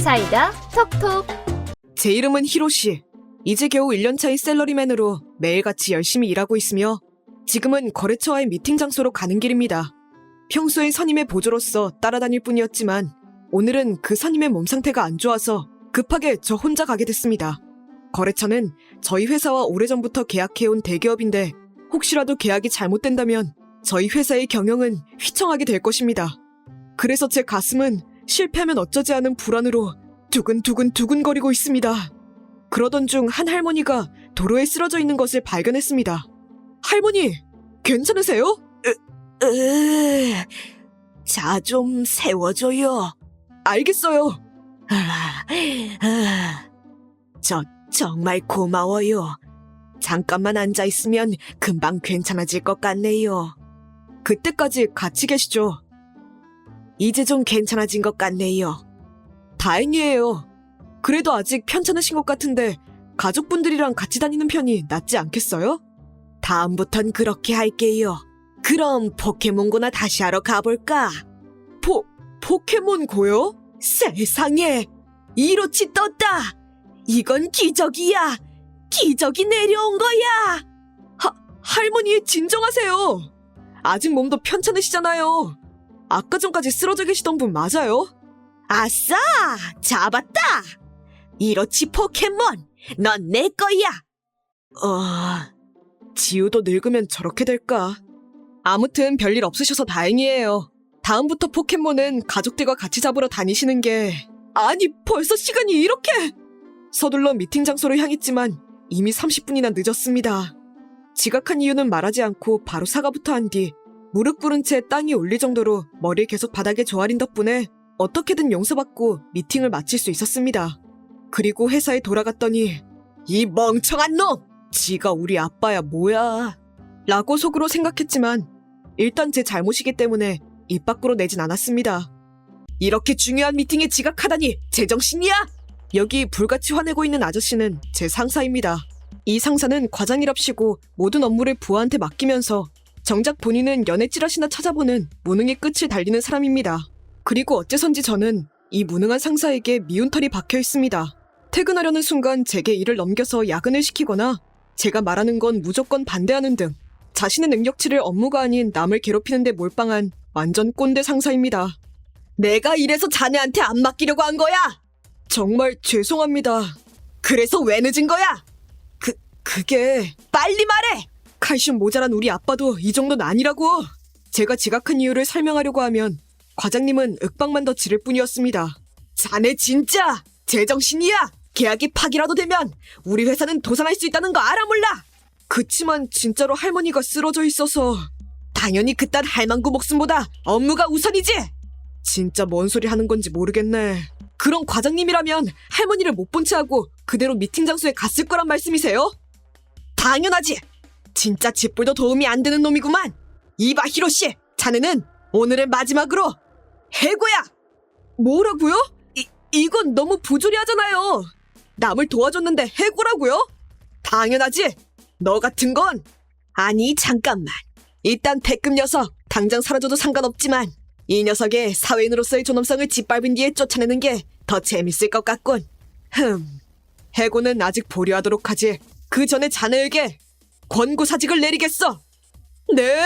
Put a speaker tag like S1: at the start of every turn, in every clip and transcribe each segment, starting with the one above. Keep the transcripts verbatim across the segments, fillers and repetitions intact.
S1: 사이다 톡톡.
S2: 제 이름은 히로시. 이제 겨우 일 년 차인 샐러리맨으로 매일같이 열심히 일하고 있으며 지금은 거래처와의 미팅 장소로 가는 길입니다. 평소엔 선임의 보조로서 따라다닐 뿐이었지만 오늘은 그 선임의 몸 상태가 안 좋아서 급하게 저 혼자 가게 됐습니다. 거래처는 저희 회사와 오래전부터 계약해온 대기업인데 혹시라도 계약이 잘못된다면 저희 회사의 경영은 휘청하게 될 것입니다. 그래서 제 가슴은 실패하면 어쩌지 하는 불안으로 두근두근 두근거리고 있습니다. 그러던 중 한 할머니가 도로에 쓰러져 있는 것을 발견했습니다. 할머니, 괜찮으세요?
S3: 으, 으, 자, 좀 세워줘요.
S2: 알겠어요.
S3: 아, 아, 저 정말 고마워요. 잠깐만 앉아있으면 금방 괜찮아질 것 같네요.
S2: 그때까지 같이 계시죠.
S3: 이제 좀 괜찮아진 것 같네요.
S2: 다행이에요. 그래도 아직 편찮으신 것 같은데 가족분들이랑 같이 다니는 편이 낫지 않겠어요?
S3: 다음부턴 그렇게 할게요. 그럼 포켓몬고나 다시 하러 가볼까?
S2: 포, 포켓몬고요?
S3: 세상에! 이로치 떴다! 이건 기적이야! 기적이 내려온 거야!
S2: 하, 할머니 진정하세요. 아직 몸도 편찮으시잖아요. 아까 전까지 쓰러져 계시던 분 맞아요?
S3: 아싸! 잡았다! 이로치 포켓몬! 넌 내 거야!
S2: 어... 지우도 늙으면 저렇게 될까? 아무튼 별일 없으셔서 다행이에요. 다음부터 포켓몬은 가족들과 같이 잡으러 다니시는 게... 아니, 벌써 시간이 이렇게! 서둘러 미팅 장소로 향했지만 이미 삼십 분이나 늦었습니다. 지각한 이유는 말하지 않고 바로 사과부터 한 뒤 무릎 꿇은 채 땅이 울릴 정도로 머리를 계속 바닥에 조아린 덕분에 어떻게든 용서받고 미팅을 마칠 수 있었습니다. 그리고 회사에 돌아갔더니 이 멍청한 놈! 지가 우리 아빠야 뭐야? 라고 속으로 생각했지만 일단 제 잘못이기 때문에 입 밖으로 내진 않았습니다. 이렇게 중요한 미팅에 지각하다니 제정신이야? 여기 불같이 화내고 있는 아저씨는 제 상사입니다. 이 상사는 과장이랍시고 모든 업무를 부하한테 맡기면서 정작 본인은 연애 찌라시나 찾아보는 무능의 끝을 달리는 사람입니다. 그리고 어째선지 저는 이 무능한 상사에게 미운 털이 박혀 있습니다. 퇴근하려는 순간 제게 일을 넘겨서 야근을 시키거나 제가 말하는 건 무조건 반대하는 등 자신의 능력치를 업무가 아닌 남을 괴롭히는 데 몰빵한 완전 꼰대 상사입니다.
S3: 내가 이래서 자네한테 안 맡기려고 한 거야!
S2: 정말 죄송합니다.
S3: 그래서 왜 늦은 거야?
S2: 그, 그게...
S3: 빨리 말해!
S2: 칼슘 모자란 우리 아빠도 이 정도는 아니라고! 제가 지각한 이유를 설명하려고 하면 과장님은 윽박만 더 지를 뿐이었습니다.
S3: 자네 진짜 제정신이야! 계약이 파기라도 되면 우리 회사는 도산할 수 있다는 거 알아 몰라?
S2: 그치만 진짜로 할머니가 쓰러져 있어서...
S3: 당연히 그딴 할망구 목숨보다 업무가 우선이지!
S2: 진짜 뭔 소리 하는 건지 모르겠네. 그럼 과장님이라면 할머니를 못 본 채 하고 그대로 미팅 장소에 갔을 거란 말씀이세요?
S3: 당연하지! 진짜 짓불도 도움이 안 되는 놈이구만! 이봐 히로시! 자네는 오늘을 마지막으로 해고야!
S2: 뭐라고요? 이, 이건 너무 부조리하잖아요. 남을 도와줬는데 해고라고요?
S3: 당연하지! 너 같은 건... 아니 잠깐만. 일단 태급 녀석 당장 사라져도 상관없지만 이 녀석의 사회인으로서의 존엄성을 짓밟은 뒤에 쫓아내는 게 더 재밌을 것 같군.
S2: 흠, 해고는 아직 보류하도록 하지. 그 전에 자네에게 권고사직을 내리겠어. 네?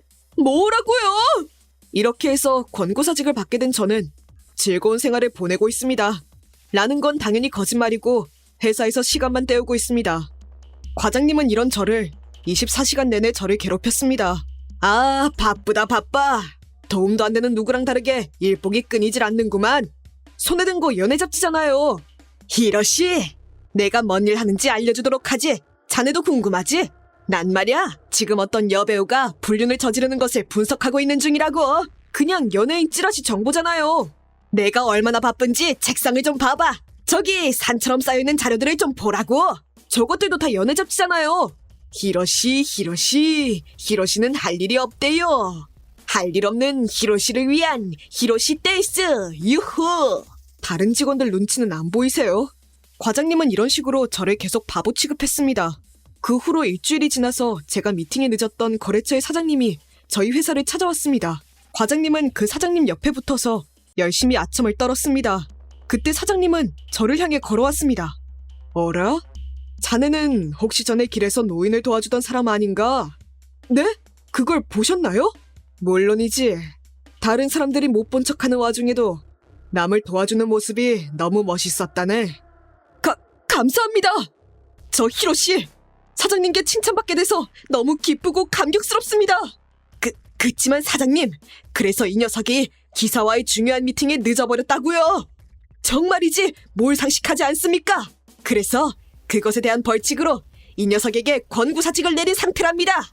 S2: 뭐라고요? 이렇게 해서 권고사직을 받게 된 저는 즐거운 생활을 보내고 있습니다. 라는 건 당연히 거짓말이고 회사에서 시간만 때우고 있습니다. 과장님은 이런 저를 이십사 시간 내내 저를 괴롭혔습니다.
S3: 아, 바쁘다 바빠.
S2: 도움도 안 되는 누구랑 다르게 일복이 끊이질 않는구만. 손에 든 거 연애 잡지잖아요.
S3: 히로시, 내가 뭔 일 하는지 알려주도록 하지. 자네도 궁금하지? 난 말이야, 지금 어떤 여배우가 불륜을 저지르는 것을 분석하고 있는 중이라고.
S2: 그냥 연예인 찌라시 정보잖아요.
S3: 내가 얼마나 바쁜지 책상을 좀 봐봐. 저기 산처럼 쌓여있는 자료들을 좀 보라고.
S2: 저것들도 다 연애 잡지잖아요.
S3: 히로시, 히로시, 히로시는 할 일이 없대요. 할 일 없는 히로시를 위한 히로시 데이스, 유후!
S2: 다른 직원들 눈치는 안 보이세요? 과장님은 이런 식으로 저를 계속 바보 취급했습니다. 그 후로 일주일이 지나서 제가 미팅에 늦었던 거래처의 사장님이 저희 회사를 찾아왔습니다. 과장님은 그 사장님 옆에 붙어서 열심히 아첨을 떨었습니다. 그때 사장님은 저를 향해 걸어왔습니다. 어라? 자네는 혹시 전에 길에서 노인을 도와주던 사람 아닌가? 네? 그걸 보셨나요? 물론이지. 다른 사람들이 못 본 척하는 와중에도 남을 도와주는 모습이 너무 멋있었다네. 가, 감사합니다. 저 히로씨, 사장님께 칭찬받게 돼서 너무 기쁘고 감격스럽습니다. 그, 그치만 사장님, 그래서 이 녀석이 기사와의 중요한 미팅에 늦어버렸다고요. 정말이지 뭘 상식하지 않습니까? 그래서 그것에 대한 벌칙으로 이 녀석에게 권고사직을 내린 상태랍니다.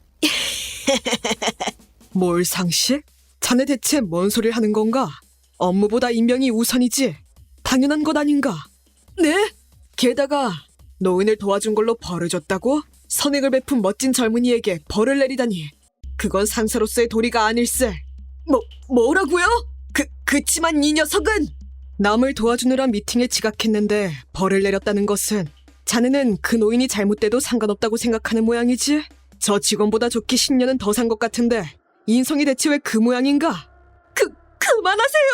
S2: 뭘 상식? 자네 대체 뭔 소리를 하는 건가? 업무보다 인명이 우선이지. 당연한 것 아닌가? 네? 게다가 노인을 도와준 걸로 벌을 줬다고? 선행을 베푼 멋진 젊은이에게 벌을 내리다니. 그건 상사로서의 도리가 아닐세. 뭐, 뭐라고요? 그, 그치만 이 녀석은 남을 도와주느라 미팅에 지각했는데 벌을 내렸다는 것은 자네는 그 노인이 잘못돼도 상관없다고 생각하는 모양이지? 저 직원보다 좋게 십 년은 더 산 것 같은데 인성이 대체 왜 그 모양인가? 그, 그만하세요!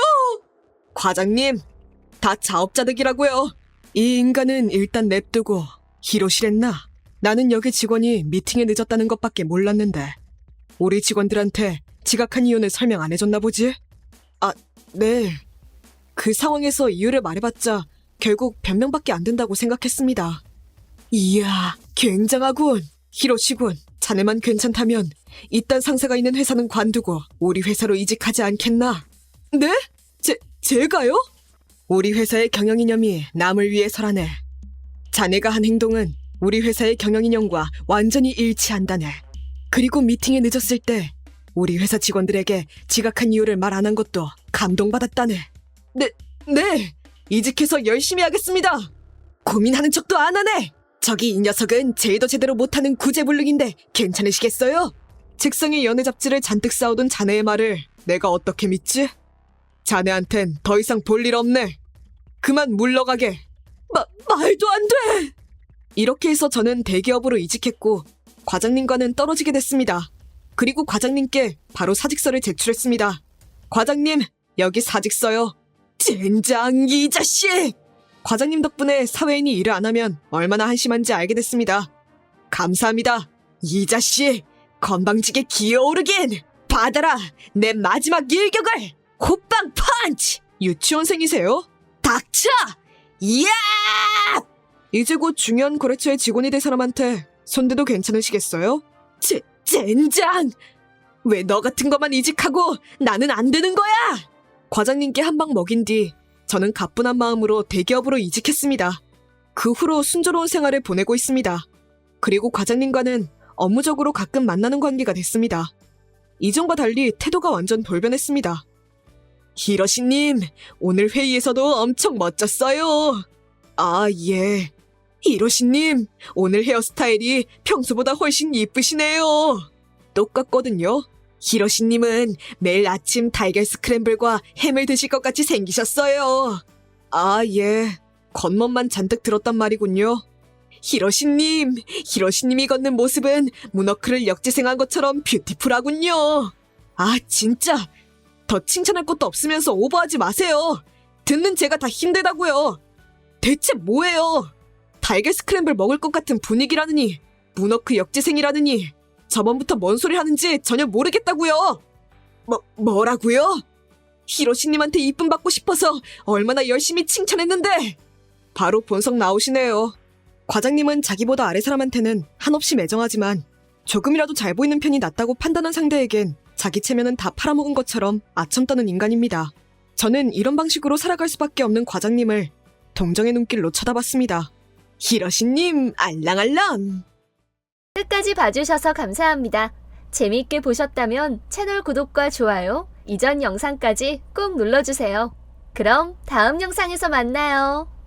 S2: 과장님, 다 자업자득이라고요. 이 인간은 일단 냅두고 히로시랬나? 나는 여기 직원이 미팅에 늦었다는 것밖에 몰랐는데 우리 직원들한테 지각한 이유는 설명 안 해줬나 보지? 아, 네. 그 상황에서 이유를 말해봤자 결국 변명밖에 안 된다고 생각했습니다. 이야, 굉장하군. 히로시군, 자네만 괜찮다면 이딴 상사가 있는 회사는 관두고 우리 회사로 이직하지 않겠나? 네? 제, 제가요? 우리 회사의 경영이념이 남을 위해서라네. 자네가 한 행동은 우리 회사의 경영이념과 완전히 일치한다네. 그리고 미팅에 늦었을 때 우리 회사 직원들에게 지각한 이유를 말 안 한 것도 감동받았다네. 네, 네. 이직해서 열심히 하겠습니다. 고민하는 척도 안 하네. 저기 이 녀석은 제의도 제대로 못하는 구제불능인데 괜찮으시겠어요? 책상에 연애 잡지를 잔뜩 쌓아둔 자네의 말을 내가 어떻게 믿지? 자네한텐 더 이상 볼 일 없네. 그만 물러가게. 마, 말도 안 돼! 이렇게 해서 저는 대기업으로 이직했고 과장님과는 떨어지게 됐습니다. 그리고 과장님께 바로 사직서를 제출했습니다. 과장님, 여기 사직서요. 젠장, 이 자식! 과장님 덕분에 사회인이 일을 안 하면 얼마나 한심한지 알게 됐습니다. 감사합니다. 이 자식, 건방지게 기어오르긴! 받아라, 내 마지막 일격을! 호빵 펀치! 유치원생이세요? 닥쳐! 이야! 이제 곧 중요한 거래처의 직원이 될 사람한테 손대도 괜찮으시겠어요? 제, 젠장! 왜 너 같은 것만 이직하고 나는 안 되는 거야? 과장님께 한 방 먹인 뒤 저는 가뿐한 마음으로 대기업으로 이직했습니다. 그 후로 순조로운 생활을 보내고 있습니다. 그리고 과장님과는 업무적으로 가끔 만나는 관계가 됐습니다. 이전과 달리 태도가 완전 돌변했습니다. 히로시님, 오늘 회의에서도 엄청 멋졌어요. 아, 예. 히로시님, 오늘 헤어스타일이 평소보다 훨씬 이쁘시네요. 똑같거든요. 히로시님은 매일 아침 달걀 스크램블과 햄을 드실 것 같이 생기셨어요. 아, 예. 겉멋만 잔뜩 들었단 말이군요. 히로시님, 히로시님이 걷는 모습은 문워크를 역지생한 것처럼 뷰티풀하군요. 아, 진짜. 더 칭찬할 것도 없으면서 오버하지 마세요. 듣는 제가 다 힘들다고요. 대체 뭐예요? 달걀 스크램블 먹을 것 같은 분위기라느니, 문워크 역지생이라느니, 저번부터 뭔 소리 하는지 전혀 모르겠다고요. 뭐, 뭐라고요? 히로시님한테 이쁨 받고 싶어서 얼마나 열심히 칭찬했는데. 바로 본성 나오시네요. 과장님은 자기보다 아래 사람한테는 한없이 매정하지만 조금이라도 잘 보이는 편이 낫다고 판단한 상대에겐 자기 체면은 다 팔아먹은 것처럼 아첨 떠는 인간입니다. 저는 이런 방식으로 살아갈 수밖에 없는 과장님을 동정의 눈길로 쳐다봤습니다. 히로시님, 알랑알랑.
S1: 끝까지 봐주셔서 감사합니다. 재미있게 보셨다면 채널 구독과 좋아요, 이전 영상까지 꼭 눌러주세요. 그럼 다음 영상에서 만나요.